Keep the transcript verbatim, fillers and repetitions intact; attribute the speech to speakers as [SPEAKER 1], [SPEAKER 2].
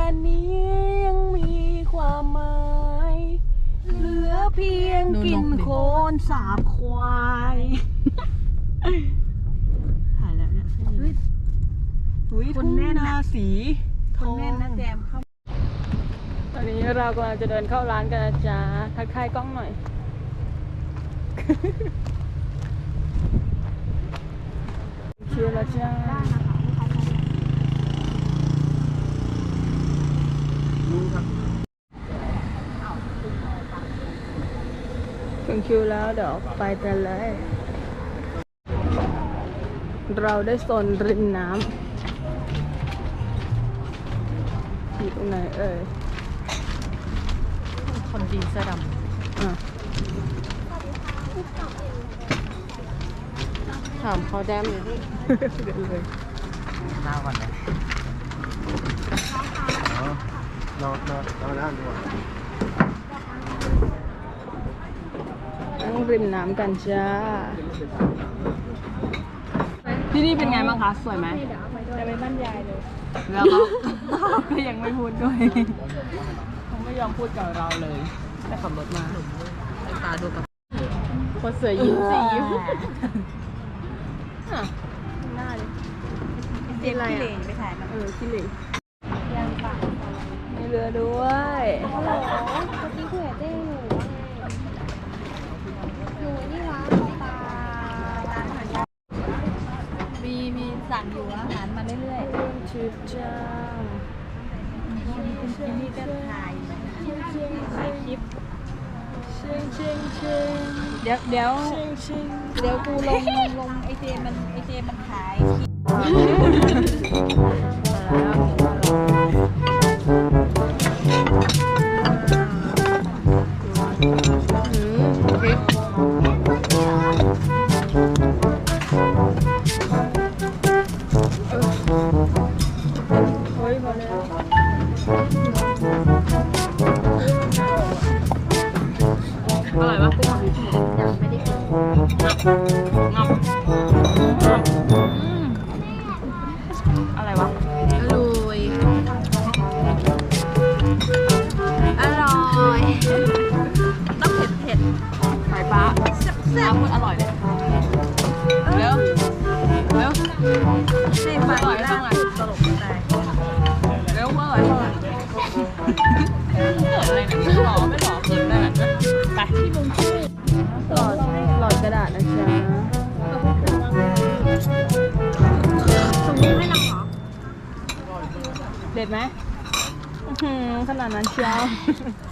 [SPEAKER 1] านนี้ยังมีความหมายเหลือเพียงกินโคลนสาบควายหายแล้วเนี่ยอุ้ยทุ่งนาสีคนแน่นนะแจมเข้าตอนนี้เรากำลังจะเดินเข้าร้านกันนะจ๊ะทักทายกล้องหน่อยเชียร์ละจ้าถึงคิวแล้วเดี๋ยวไปกันเลยเราได้โซนริมน้ำอยู่ตรงไหนเอ่ย
[SPEAKER 2] คนดีเสื้อดำ
[SPEAKER 1] อ่ะ
[SPEAKER 2] ถามเขาแดมอยู่ที่
[SPEAKER 1] เดินเลย
[SPEAKER 2] น้าก่อนนะ
[SPEAKER 3] นอนนอนนอนแล้วดีกว่า
[SPEAKER 1] นั่งริมน้ำกันจ้าที่นี่เป็นไงบ้างคะสวยไหมจะไปบ้านยายเลยแล้วเขาก็ยังไม่พูดด้วยเขาไม่ยอมพูดกับเราเลยได้ขับรถมา
[SPEAKER 2] ตาดูกับ
[SPEAKER 1] คนเสือยิ้มสิยิ้มอ่ะหน้าเลย
[SPEAKER 2] เจ๊อะไรอ่ะไปถ่ายมา
[SPEAKER 1] เออขี้เหร่
[SPEAKER 2] ยางปาก
[SPEAKER 1] มีเรือด้วย
[SPEAKER 4] โอ้โหเมื่อกี้คุยกับเจ๊หนูว่าไงหนูนี่วะปลามีมีสั่งอยู่อาหารมาเรื่อย
[SPEAKER 1] ๆชิบจ้า
[SPEAKER 4] ที่นี่ก็ถ่าย
[SPEAKER 1] ถ่ายคลิปชิงชิงชิง
[SPEAKER 4] เดี๋ยวเดี๋ยว
[SPEAKER 1] ชิงชิง
[SPEAKER 4] เดี๋ยวกูลงลงไอเจมันไอเจมันขาย
[SPEAKER 1] อร่อยปะ
[SPEAKER 4] ยังไม่ได้กิน
[SPEAKER 1] งับอะไรวะ
[SPEAKER 4] อร่อยอร่อยต้องเผ็ดเผ็ด
[SPEAKER 1] ไข่ปลาแซ่บๆอร่อยเลยเร็วเร็ว
[SPEAKER 4] ให้ฟังหน้าพูดตลกตาย
[SPEAKER 1] เร็วอร่อยเท่าไหร่เกิดอะไรเนี่ยหล่อไม่หล่อเกินได้แบบนั้นไปที่บุ้งชื่อหลอดหลอดกระดาษนะจ๊ะ
[SPEAKER 4] ตรงนี้ให้เราเหรอ
[SPEAKER 1] เด็ดไหมขนาดนั้นเชียว